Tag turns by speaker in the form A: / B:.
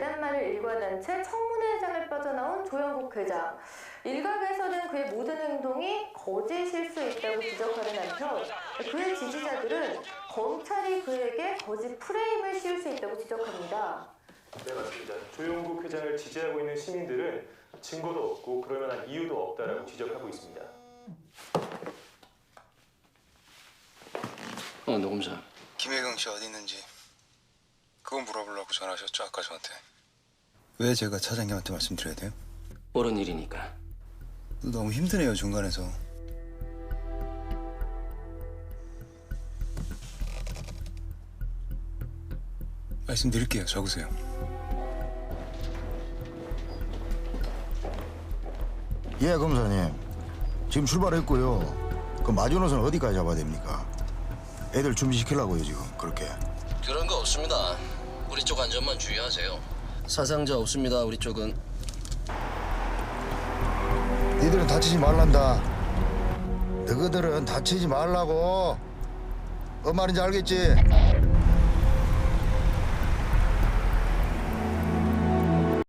A: 내란말을 일관한 채 청문회장을 빠져나온 조영국 회장. 일각에서는 그의 모든 행동이 거짓일 수 있다고 지적하는 한편 그의 지지자들은 검찰이 그에게 거짓 프레임을 씌울 수 있다고 지적합니다.
B: 네, 맞습니다. 조영국 회장을 지지하고 있는 시민들은 증거도 없고 그럴 만한 이유도 없다라고 지적하고 있습니다.
C: 노검사.
D: 김혜경 씨 어디 있는지 그거 물어보려고 전화하셨죠? 아까 저한테. 왜 제가 차장님한테 말씀드려야 돼요?
C: 옳은 일이니까.
D: 너무 힘드네요, 중간에서. 말씀드릴게요. 적으세요.
E: 예, 검사님. 지금 출발했고요. 그 마지노선 어디까지 잡아야 됩니까? 애들 준비시키려고요, 지금. 그렇게.
C: 그런 거 없습니다. 우리 쪽 안전만 주의하세요. 사상자 없습니다, 우리 쪽은.
E: 니들은 다치지 말란다. 너희들은 다치지 말라고. 뭔 말인지 알겠지?